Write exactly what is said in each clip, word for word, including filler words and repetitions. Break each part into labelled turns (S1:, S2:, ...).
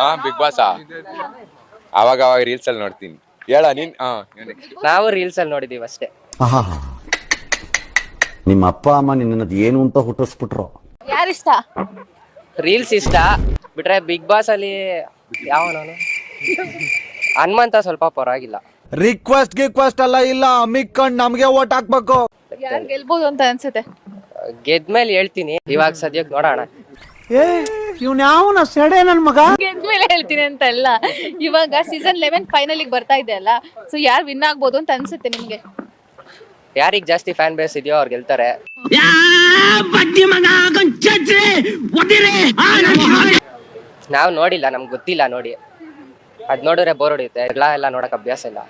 S1: ಹಾ big boss ಅವಾಗ ಅವಾಗ ರೀಲ್ಸ್ ಅಲ್ಲಿ ನೋಡ್ತೀನಿ. ಹೇಳ ನೀನ್.
S2: ನಾವು ರೀಲ್ಸ್ ಅಲ್ಲಿ ನೋಡಿದೀವಿ ಅಷ್ಟೇ.
S3: ನಿಮ್ಮ ಅಪ್ಪ ಅಮ್ಮ ನಿನ್ನದು ಏನು ಅಂತ ಹುಟ್ಟಿಸ್ಬಿಟ್ರು.
S4: ಯಾರಿಷ್ಟ?
S2: ರೀಲ್ಸ್ ಇಷ್ಟ ಬಿಟ್ರೆ ಬಿಗ್ ಬಾಸ್ ಅಲ್ಲಿ ಯಾವ ನಾನು ಹನುಮಂತ ಸ್ವಲ್ಪ ಪರವಾಗಿಲ್ಲ.
S5: ರಿಕ್ವೆಸ್ಟ್ ಗಿಕ್ವೆಸ್ಟ್ ಎಲ್ಲ ಇಲ್ಲ, ಮಿಕ್ಕಂಡ್ ನಮ್ಗೆ ಓಟ್ ಹಾಕ್ಬೇಕು.
S4: ಯಾರು ಗೆಲ್ಬಹುದು ಅಂತ ಅನ್ಸುತ್ತೆ?
S2: ಗೆದ್ಮೇಲೆ ಹೇಳ್ತೀನಿ, ಇವಾಗ ಸದ್ಯಕ್ಕೆ ನೋಡೋಣ.
S5: ಏ ಇವ್ನ ಯಾವನ ಸೆಡೆ ನನ್ ಮಗ.
S4: ಗೆದ್ಮೇಲೆ ಹೇಳ್ತೀನಿ ಅಂತ ಅಲ್ಲ, ಇವಾಗ ಸೀಸನ್ ಲೆವೆನ್ ಫೈನಲ್ ಬರ್ತಾ ಇದೆ ಅಲ್ಲ, ಸೊ ಯಾರು ವಿನ್ ಆಗ್ಬೋದು ಅಂತ ಅನ್ಸುತ್ತೆ ನಿಮ್ಗೆ?
S2: ಯಾರಿಗ್ ಜಾಸ್ತಿ ಫ್ಯಾನ್ ಬೇಸ್ ಇದೆಯೋ ಅವ್ರು ಗೆಲ್ತಾರೆ. ನಾವು ನೋಡಿಲ್ಲ, ನಮ್ಗೆ ಗೊತ್ತಿಲ್ಲ ನೋಡಿ. ಅದ್ ನೋಡಿದ್ರೆ ಬೋರ್ ಹೊಡಿಯುತ್ತೆ. ಎಲ್ಲ ಎಲ್ಲ ನೋಡಕ್ ಅಭ್ಯಾಸ ಇಲ್ಲ.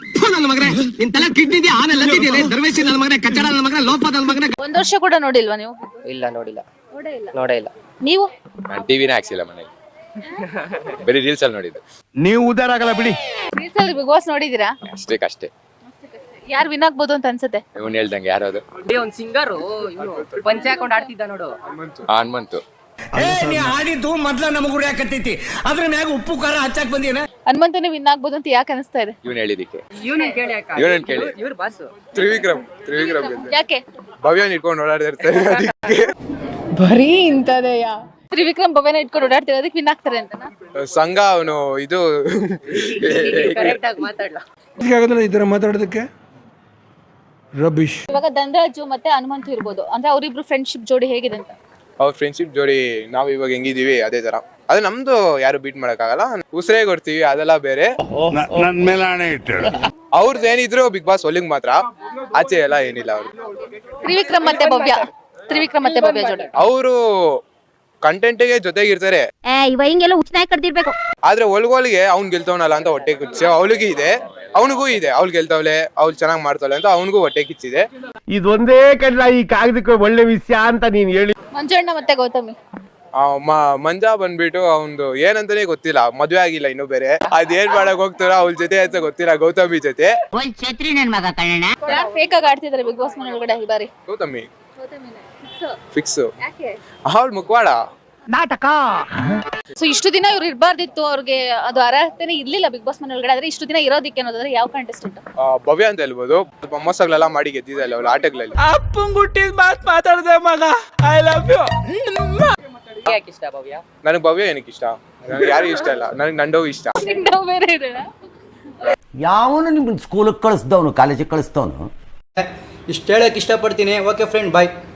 S4: ಒಂದ್ ವರ್ಷ ಕೂಡ ನೋಡಿಲ್ವಾ ನೀವು?
S2: ಇಲ್ಲ ನೋಡಿಲ್ಲ, ನೋಡೇ ಇಲ್ಲ.
S4: ನೀವು?
S1: ನಾನು ಟಿವಿನೇ ಹಾಕ್ಸಿಲ್ಲ ಮನೇಲಿ, ಬರೀ ರೀಲ್ಸ್ ಅಲ್ಲಿ ನೋಡಿದ್ದು.
S5: ನೀವು ಉದಾರ ಆಗಲ್ಲ ಬಿಡಿ.
S4: ರೀಲ್ಸ್ ಅಲ್ಲಿ ಬಿಗ್ ಬಾಸ್ ನೋಡಿದೀರಾ?
S1: ಅಷ್ಟೇ ಅಷ್ಟೇ.
S4: ಯಾರು ವಿನ್ ಆಗ್ಬೋದು ಅಂತ ಅನ್ಸುತ್ತೆ?
S1: ಇವನ್ ಹೇಳ್ದಂಗೆ ಯಾರದು
S2: ಒಂದ್ ಸಿಂಗರು ಪಂಚೆ ಹಾಕೊಂಡ್ ಆಡ್ತಿದ್ದ ನೋಡು,
S1: ಹನುಮಂತು.
S5: ಆಡಿದ್ದು ಮೊದ್ಲ ನಮಗ್ ಉರಿಯಾಕತ್ತೈತಿ, ಅದ್ರ ಮ್ಯಾಗ ಉಪ್ಪು ಖಾರ ಹಚ್ಚಾಕ್ ಬಂದಿನ.
S4: ಹನುಮಂತನೇ ವಿನ್ ಆಗ್ಬೋದು ಅಂತ ಯಾಕೆ ಅನಿಸ್ತಾ ಇದೆ?
S1: ಇವನ್ ಹೇಳಿದಿಕ್ಕೆ.
S2: ಇವನನ್ ಕೇಳಿ
S1: ಇವನನ್ ಕೇಳಿ.
S2: ಇವ್ರ ಬಾಸು
S1: ತ್ರಿವಿಕ್ರಮ್ ತ್ರಿವಿಕ್ರಮ್
S4: ಯಾಕೆ?
S1: ಭವ್ಯನ್ ಇಟ್ಕೊಂಡು ಓಡಾಡ್ತಿರ್ತಾರೆ ಅದಕ್ಕೆ.
S4: ಬರೀ ಇಂತದೆಯಾ? ತ್ರಿವಿಕ್ರಮ್ ಭವ್ಯನ ಇಟ್ಕೊಂಡು ಓಡಾಡ್ತಿರೋದಕ್ಕೆ ವಿನ್ ಆಗ್ತಾರೆ ಅಂತ
S1: ಸಂಘ ಅವನು ಇದು
S2: ಕರೆಕ್ಟ್ ಆಗಿ ಮಾತಾಡ್ಲಾ
S5: ಇದರ ಮಾತಾಡೋದಕ್ಕೆ ರಬಿಶ್.
S4: ಇವಾಗ ಧನರಾಜು ಮತ್ತೆ ಹನುಮಂತು ಇರ್ಬೋದು, ಅಂದ್ರೆ ಅವರಿಬ್ರು ಫ್ರೆಂಡ್ಶಿಪ್ ಜೋಡಿ ಹೇಗಿದೆ ಅಂತ?
S1: ಅವ್ರ ಫ್ರೆಂಡ್ಶಿಪ್ ಜೋಡಿ ನಾವ್ ಇವಾಗ ಹೆಂಗಿದೀವಿ ಅದೇ ತರ. ಅದು ನಮ್ದು ಯಾರು ಬೀಟ್ ಮಾಡಕ್ ಆಗಲ್ಲ. ಉಸಿರೇ ಕೊಡ್ತೀವಿ, ಅದೆಲ್ಲ ಬೇರೆ.
S5: ನನ್ ಮೇಲೆ ಆಣೆ ಇಟ್ಟಳು.
S1: ಅವ್ರದ್ದು ಏನಿದ್ರು ಬಿಗ್ ಬಾಸ್ ಒಲಿಂಗ್ ಮಾತ್ರ, ಆಚೆ ಎಲ್ಲ ಏನಿಲ್ಲ. ಅವ್ರು
S4: ತ್ರಿವಿಕ್ರಮ್ ಮತ್ತೆ ಭವ್ಯ, ತ್ರಿವಿಕ್ರಮ್ ಮತ್ತೆ ಭವ್ಯ ಜೋಡಿ
S1: ಅವರು ಕಂಟೆಂಟ್ಗೆ ಜೊತೆಗಿರ್ತಾರೆ.
S6: ಇವ ಹಿಂಗೆಲ್ಲ ಹುಚ್ಚನಾಗಿ ಕಡ್ದಿರ್ಬೇಕು.
S1: ಆದ್ರೆ ಒಳಗೊಳಗೆ ಅವ್ನ್ ಗೆಲ್ತವನಲ್ಲ ಅಂತ ಹೊಟ್ಟೆ ಕಿಚ್ಚೆ ಅವಳಿಗೆ ಇದೆ, ಅವನಿಗೂ ಇದೆ. ಅವ್ಳು ಗೆಲ್ತವಳೆ, ಅವ್ಳು ಚೆನ್ನಾಗ್ ಮಾಡ್ತಾವಳೆ ಅಂತ ಅವನಿಗೂ ಹೊಟ್ಟೆ ಕಿಚ್ಚಿದೆ.
S7: ಇದೊಂದೇ ಕಡ್ಲ ಈ ಕಾಗದಕ್ಕೆ ಒಳ್ಳೆ ವಿಷಯ ಅಂತ ನೀನ್ ಹೇಳಿ.
S4: ಮಂಜಣ್ಣ ಮತ್ತೆ ಗೌತಮಿ.
S1: ಮಂಜಾ ಬಂದ್ಬಿಟ್ಟು ಅವ್ನ್ದು ಏನಂತಾನೆ ಗೊತ್ತಿಲ್ಲ, ಮದ್ವೆ ಆಗಿಲ್ಲ ಇನ್ನು ಬೇರೆ. ಅದೇನ್ ಮಾಡಕ್ ಹೋಗ್ತಾರ ಅವಳ ಜೊತೆ ಅಂತ ಗೊತ್ತಿಲ್ಲ. ಗೌತಮಿ ಜೊತೆ
S4: ಯಾರು ಫೇಕ್ ಆಗಿ ಆಡ್ತಿದ್ದಾರೆ ಬಿಗ್ ಬಾಸ್ ಮನೆ ಒಳಗಡೆ ಈ ಬಾರಿ?
S1: ಗೌತಮಿ ಫಿಕ್ಸ್. ಅವಳು ಮುಖವಾಡ
S7: ನಾಟಕ.
S4: ಸೊ ಇಷ್ಟು ದಿನ ಇವ್ರು ಇರಬಾರ್ದಿತ್ತು, ಅವ್ರಿಗೆ ಅದು ಅರ್ಹತೆನೇ ಇರ್ಲಿಲ್ಲ ಬಿಗ್ ಬಾಸ್ ಮನೆ ಒಳಗಡೆ. ಆದ್ರೆ ಇಷ್ಟು ದಿನ ಇರೋದಿಕ್ಕೆ ಅನ್ನೋದಾದ್ರೆ ಯಾವ ಕಂಟೆಸ್ಟೆಂಟ್?
S1: ಭವ್ಯ ಅಂತ ಹೇಳ್ಬೋದು. ಮೊಮ್ಮಸಗಳೆಲ್ಲ ಮಾಡಿ ಗೆದ್ದಿದ್ದಲ್ಲ ಅವಳು ಆಟಗಳಲ್ಲಿ.
S5: ಅಪ್ಪಂಗ್ ಹುಟ್ಟಿದ ಮಾತ್ ಮಾತಾಡ್ದೆ ಮಗ. I love you.
S2: ಯಾಕೆ ಇಷ್ಟ ಭವ್ಯ?
S1: ನನಗೆ ಭವ್ಯ ಏನಕ್ಕೆ ಇಷ್ಟ? ನನಗೆ ಯಾರಿಗೂ ಇಷ್ಟ ಇಲ್ಲ. ನನಗೆ ನಂಡವ್ ಇಷ್ಟ.
S4: ಬೇರೆ ಇದೆ.
S3: ಯಾವನು ನಿಮ್ಮನ್ನ ಸ್ಕೂಲಿಗೆ ಕಳಿಸ್ದವನು, ಕಾಲೇಜಿಗೆ ಕಳಿಸ್ದವನು.
S8: ಇಷ್ಟು ಹೇಳಕ್ಕೆ ಇಷ್ಟಪಡ್ತೀನಿ. ಓಕೆ ಫ್ರೆಂಡ್, ಬಾಯ್.